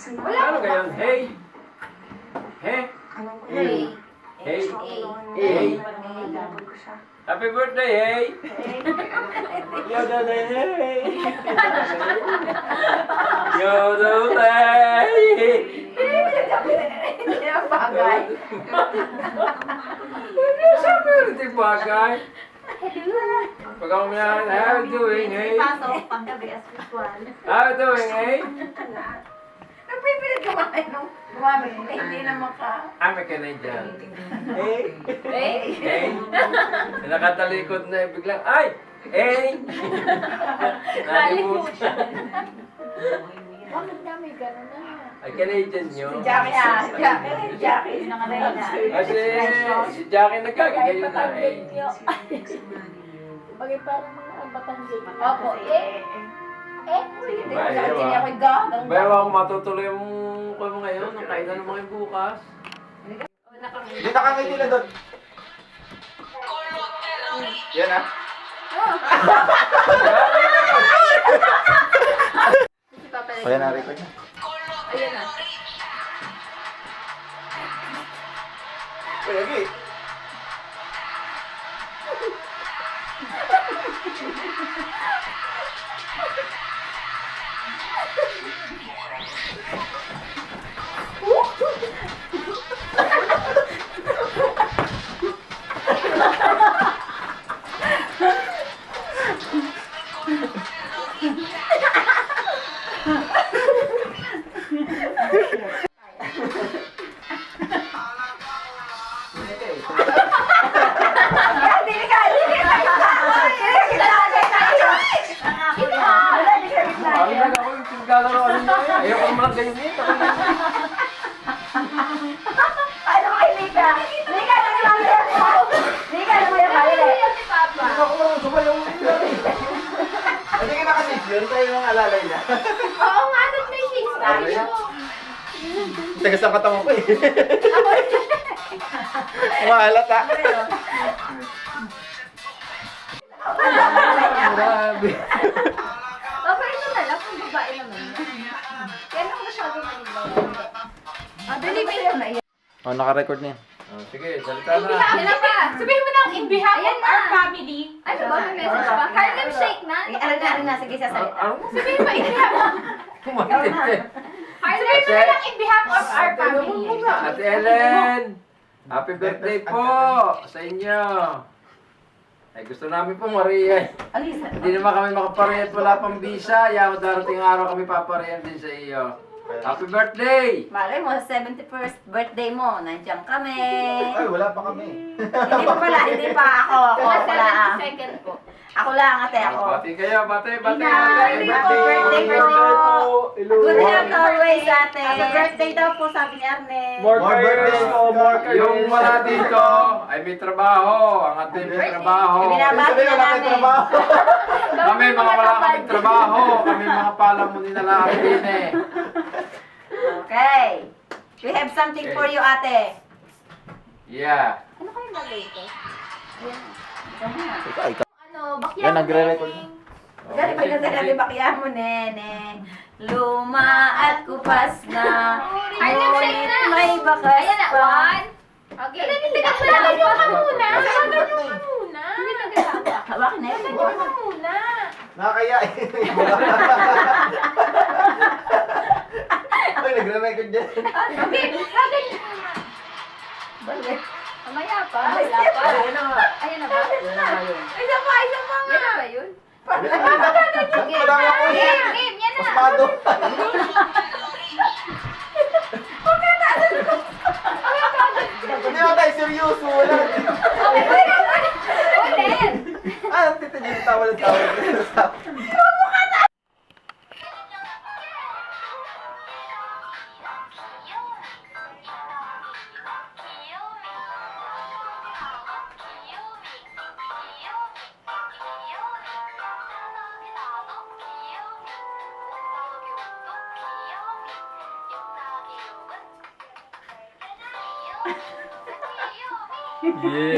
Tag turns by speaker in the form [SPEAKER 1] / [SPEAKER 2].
[SPEAKER 1] Ano ganyan? Hey! Hey!
[SPEAKER 2] Hey.
[SPEAKER 1] Hey!
[SPEAKER 2] Hey.
[SPEAKER 1] Happy birthday, hey! Yoda day, hey! Yoda day!
[SPEAKER 2] Hindi ang bagay.
[SPEAKER 1] Sabi ko rin yung bagay. Pag ako yan, how you doing, hey?
[SPEAKER 2] Pasok panggabi as usual.
[SPEAKER 1] How you doing, hey?
[SPEAKER 2] Nagpipilit kumain nung gumamit. Hindi naman ka.
[SPEAKER 1] I'm a Canadian. Hey!
[SPEAKER 2] Hey.
[SPEAKER 1] Hey! Nakatalikod na biglang, ay! Hey! Nalimutan.
[SPEAKER 2] Bakit kami gano'n na?
[SPEAKER 1] Ay, Canadian
[SPEAKER 2] Si
[SPEAKER 1] yun.
[SPEAKER 2] Jackie Jackie nakalay na.
[SPEAKER 1] Kasi si Jackie nagkagayon na eh.
[SPEAKER 3] Bagay parang mga Batanggay.
[SPEAKER 2] Opo, hindi ko
[SPEAKER 1] Bayaw,
[SPEAKER 2] hindi
[SPEAKER 1] ah.
[SPEAKER 2] ako gagang.
[SPEAKER 1] Bayaw ako matutuloy yung ko mo ngayon, ang kainan naman kayo bukas.
[SPEAKER 4] Hindi nakangiti na doon. Yan ah. Kaya na-record na.
[SPEAKER 2] Ayan na.
[SPEAKER 4] Uy, Agi.
[SPEAKER 1] Ay, ako yung pinaglalaro nyo eh. Ayoko naman ganyan eh.
[SPEAKER 2] Ay, nakakilika. Lika na lang yan. Lika na lang yan.
[SPEAKER 1] Ako naman sumayaw mo yun.
[SPEAKER 4] Hindi ka nakasip yun, tayo yung alalay na.
[SPEAKER 2] Oo nga, doon may shakes tayo.
[SPEAKER 4] Tagas ang katawan ko eh. Mahalata.
[SPEAKER 1] Grabe.
[SPEAKER 2] Okay, ito na lang kung babae naman. Kaya naman masyado manilaw. Dali, na yan.
[SPEAKER 4] Oh, naka-record na yan.
[SPEAKER 1] Oh, sige, salita na.
[SPEAKER 2] Ano ba?
[SPEAKER 3] Sabihin mo lang, in behalf
[SPEAKER 2] Ayan
[SPEAKER 3] of
[SPEAKER 2] na.
[SPEAKER 3] our family.
[SPEAKER 2] Ano ba? May message ba? Harlem Shake na? Ano na? Sige, sasalita.
[SPEAKER 1] Ano?
[SPEAKER 3] Sabihin mo, in behalf of...
[SPEAKER 1] Kumalit eh.
[SPEAKER 3] Sabihin mo na lang, in behalf of our family.
[SPEAKER 1] Ate Ellen! Happy birthday po sa inyo. Ay, gusto namin po Maria.
[SPEAKER 2] Alisa.
[SPEAKER 1] Hindi naman kami makaparehat, wala pang visa. Yaw, darating araw kami paparehan din sa iyo. Happy birthday!
[SPEAKER 2] Malay mo, 71st birthday mo, nandiyan kami.
[SPEAKER 4] Ay, wala pa kami.
[SPEAKER 2] Hindi pa pala, hindi pa ako. Ako lang.
[SPEAKER 3] Second po.
[SPEAKER 2] Ako lang, ate ako.
[SPEAKER 1] Bati kayo, bati, bati,
[SPEAKER 2] Happy
[SPEAKER 1] bati.
[SPEAKER 2] birthday po. Good health always, ate.
[SPEAKER 3] Happy birthday daw po, sabi ni Arne.
[SPEAKER 4] More birthdays po, more
[SPEAKER 1] Yung wala dito ay may trabaho. Ang ating may trabaho.
[SPEAKER 2] Binabati na namin.
[SPEAKER 1] Kami mga wala kaming trabaho. Kami mga palamuni na lang din eh.
[SPEAKER 2] Okay. We have something for you, ate.
[SPEAKER 1] Yeah.
[SPEAKER 2] Ano kayo nalay ko? Ayan. Ikaw na.
[SPEAKER 4] Ikaw.
[SPEAKER 2] Ano, bakyan
[SPEAKER 4] Yan, nagre-record na.
[SPEAKER 2] Dali pa yung dali bakyan mo, nene. Luma at kupas na. Ngunit may bakas
[SPEAKER 3] Ayan na,
[SPEAKER 2] pa.
[SPEAKER 3] one. Okay. Ganyan ka muna. Ganyan ka muna. Hindi nagagawa.
[SPEAKER 2] Hawakin na yun.
[SPEAKER 3] Ganyan ka muna.
[SPEAKER 4] Nakakaya eh. Ay, nagre-record dyan.
[SPEAKER 3] Okay, ganyan muna.
[SPEAKER 2] Balik.
[SPEAKER 3] Mamaya pa.
[SPEAKER 2] Ay,
[SPEAKER 3] Wala pa.
[SPEAKER 1] Ayun na nga.
[SPEAKER 3] Ayan na ba?
[SPEAKER 1] Ayun na nga yun.
[SPEAKER 2] Isa pa nga.
[SPEAKER 3] Yan na ba yun?
[SPEAKER 2] Sige.
[SPEAKER 4] Wala ako eh.
[SPEAKER 3] Game, yan na.
[SPEAKER 4] Pasmado. Hindi mo tayo seryoso. Wala.
[SPEAKER 3] Ulit.
[SPEAKER 4] Ah, tita niyo tawa ng tawa.
[SPEAKER 1] Yeah.